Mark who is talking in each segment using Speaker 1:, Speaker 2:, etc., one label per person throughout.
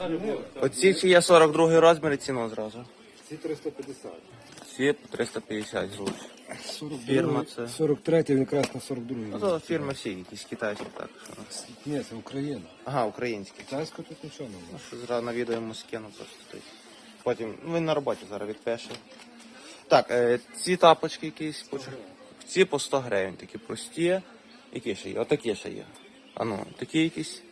Speaker 1: Оці чи є 42 розмір і ціну зразу.
Speaker 2: Ці 350.
Speaker 1: Ці по 350 злоч. Фірма це.
Speaker 2: 43, він якраз на 42.
Speaker 1: Ну то фірми всі, якісь китайські так. Що...
Speaker 2: Ні, це Україна.
Speaker 1: Ага, українські.
Speaker 2: Китайська тут нічого немає.
Speaker 1: Ну, що зразу на відео йому скину просто тут. Потім, ну він на роботі зараз відпише. Так, ці тапочки якісь, ці по 100 гривень, такі прості. Які ще є? Отакі ще є. А ну, такі якісь.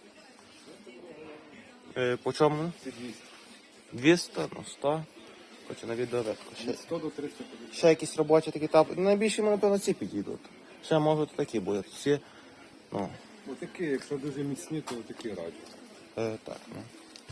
Speaker 1: По чому?
Speaker 2: Ці 200.
Speaker 1: 200, ну 100. Хочу на відео видно.
Speaker 2: Від 100 до 350.
Speaker 1: Ще якісь робочі такі тапочки. Найбільше, напевно, ці підійдуть. Ще можуть такі будуть. Ці, ну.
Speaker 2: Отакі, якщо дуже міцні, то такі раді.
Speaker 1: Так, ну.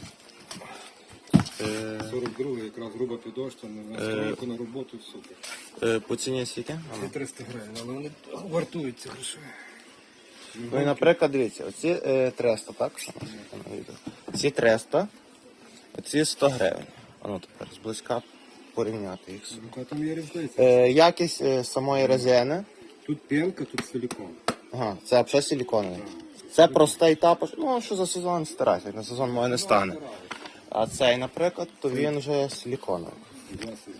Speaker 2: 42 якраз груба підошва, на стройку, на роботу, супер.
Speaker 1: По ціні скільки?
Speaker 2: Це 300 гривень, але вони вартуються гроші.
Speaker 1: Ну і, наприклад, дивіться, оці 300, так? Ці 300, оці 100 гривень. А ну тепер зблизька порівняти їх.
Speaker 2: Яка там є різниця?
Speaker 1: Якість самої резини.
Speaker 2: Тут пенка, тут силікон.
Speaker 1: Ага, це взагалі силіконовий. Це простий тапоч, ну що за сезон старайся, на сезон моє не стане. А цей, наприклад, то він вже силіконовий.
Speaker 2: Два сезони.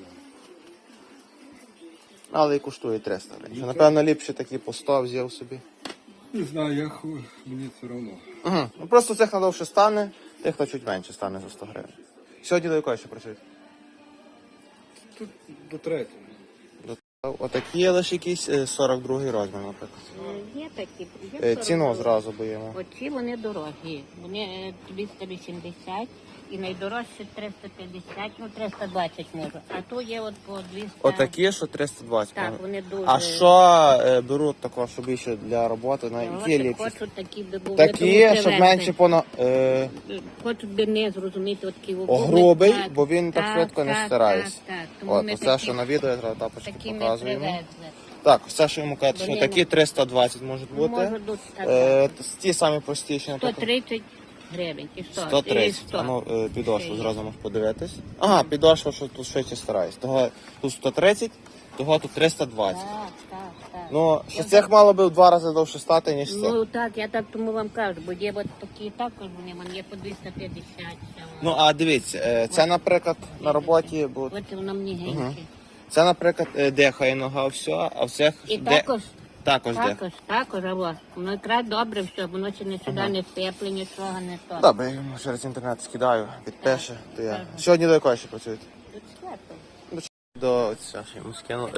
Speaker 1: Але і коштує 300 гривень. Напевно, ліпше такі по 100 взяв собі.
Speaker 2: Не знаю, мені все одно.
Speaker 1: Угу. Ну просто цих надовше стане, тих то чуть менше стане за 100 гривень. Сьогодні до якої ще працюють?
Speaker 2: Тут до третього.
Speaker 1: Отакі є лише якісь 42 розмір, наприклад.
Speaker 3: Є такі. Є
Speaker 1: Ціну зразу боїмо.
Speaker 3: Оці вони дорогі. Вони 280 і найдорожчі 350, ну 320 можу. А то є от по 200.
Speaker 1: Отакі, що 320.
Speaker 3: Так, вони дуже...
Speaker 1: А що беруть також, що більше для роботи? На які ліпші?
Speaker 3: Хочуть такі, би були,
Speaker 1: Такі,
Speaker 3: тому
Speaker 1: щоб
Speaker 3: привезли.
Speaker 1: менше
Speaker 3: Хочуть би не зрозуміти, от такі
Speaker 1: грубий, бо він так швидко не стирається.
Speaker 3: Так, тому
Speaker 1: От,
Speaker 3: ми
Speaker 1: оце,
Speaker 3: такі,
Speaker 1: що на відео, я зразу тапочки
Speaker 3: такі ми
Speaker 1: показуємо.
Speaker 3: привезли.
Speaker 1: Так, все, що йому кажуть, що
Speaker 3: Вони
Speaker 1: такі 320 можуть бути.
Speaker 3: Можуть бути, так.
Speaker 1: Ті самі простіші, наприклад.
Speaker 3: 130 гривень і 100.
Speaker 1: 130.
Speaker 3: І 100.
Speaker 1: А ну, підошву зразу можеш подивитись. Ага, підошва, що тут швидше стараюсь. Того тут 130, того тут 320.
Speaker 3: Так.
Speaker 1: Ну, що цих мало би в 2 рази довше стати, ніж це.
Speaker 3: Ну так, я так тому вам кажу, бо є от такі також вони є по 250.
Speaker 1: Ну, а дивіться, це, наприклад, на роботі, бо
Speaker 3: От воно мені геньке.
Speaker 1: це, наприклад, дихає нога, все, а в цих
Speaker 3: І також,
Speaker 1: також дихає.
Speaker 3: також, воно якраз добре все, воно ще не сюди не сипле, нічого не то.
Speaker 1: Добре, я йому через інтернет скидаю, підпише, то я. Сьогодні до якої ще працюєте?
Speaker 3: Тут свято.
Speaker 1: До це ще йому скину.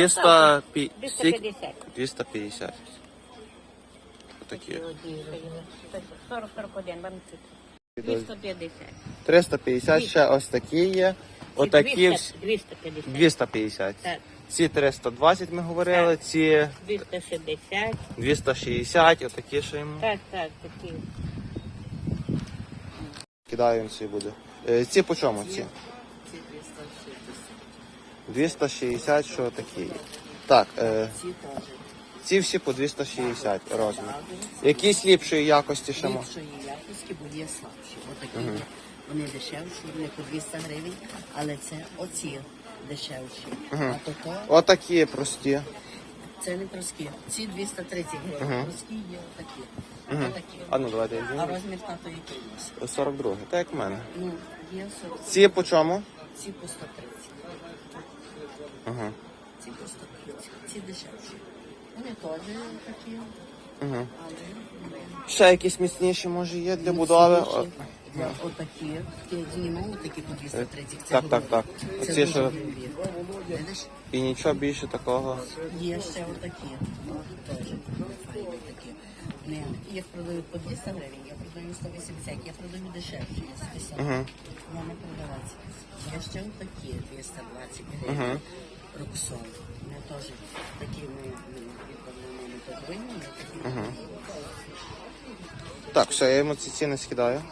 Speaker 3: 250.
Speaker 1: 250. Отакі.
Speaker 3: 40-41, вам тут. 250.
Speaker 1: 350 ще ось такі є. Отакі
Speaker 3: 250.
Speaker 1: 250.
Speaker 3: Так.
Speaker 1: Ці 320 ми говорили, ці
Speaker 3: 260.
Speaker 1: 260, отакі ще йому.
Speaker 3: Так, такі.
Speaker 1: Кидаю ці буде. Ці по чому ці? 260, що такі є. Так, ці всі по 260 розмір. Якісь ліпшої якості ще можна?
Speaker 4: Ліпшої якості, бо є слабші. Отакі. Вони дешевші, вони по 200 гривень, але це оці дешевші. А то
Speaker 1: Отакі прості.
Speaker 4: це не прості. Ці 230 гривень. Прості є отакі. Отакі.
Speaker 1: А ну давайте я
Speaker 4: А
Speaker 1: візьму.
Speaker 4: розмір тато який у вас?
Speaker 1: 42, так як в мене.
Speaker 4: Ну, є 40.
Speaker 1: Ці по чому?
Speaker 4: Ці по 130.
Speaker 1: Ага.
Speaker 4: Ці по 130. Ці дешевші. Вони теж такі,
Speaker 1: Ага.
Speaker 4: але
Speaker 1: Ще якісь міцніші може є для будови.
Speaker 4: отакі. Такі знімали, такі по 230. Це
Speaker 1: Так.
Speaker 4: грубі.
Speaker 1: Оці
Speaker 4: Це дуже
Speaker 1: що
Speaker 4: грубі. Видиш?
Speaker 1: і нічого більше такого.
Speaker 4: Є ще отакі, теж файні такі. Не, їх продають по 200 гривень, я продаю 180, я продаю дешевше, я 150. Я не продавати. Є ще отакі 220 гривень. Роксон. Вони теж такі ми відповідно не подвинені, такі.
Speaker 1: Так, все, я йому ці ціни скидаю.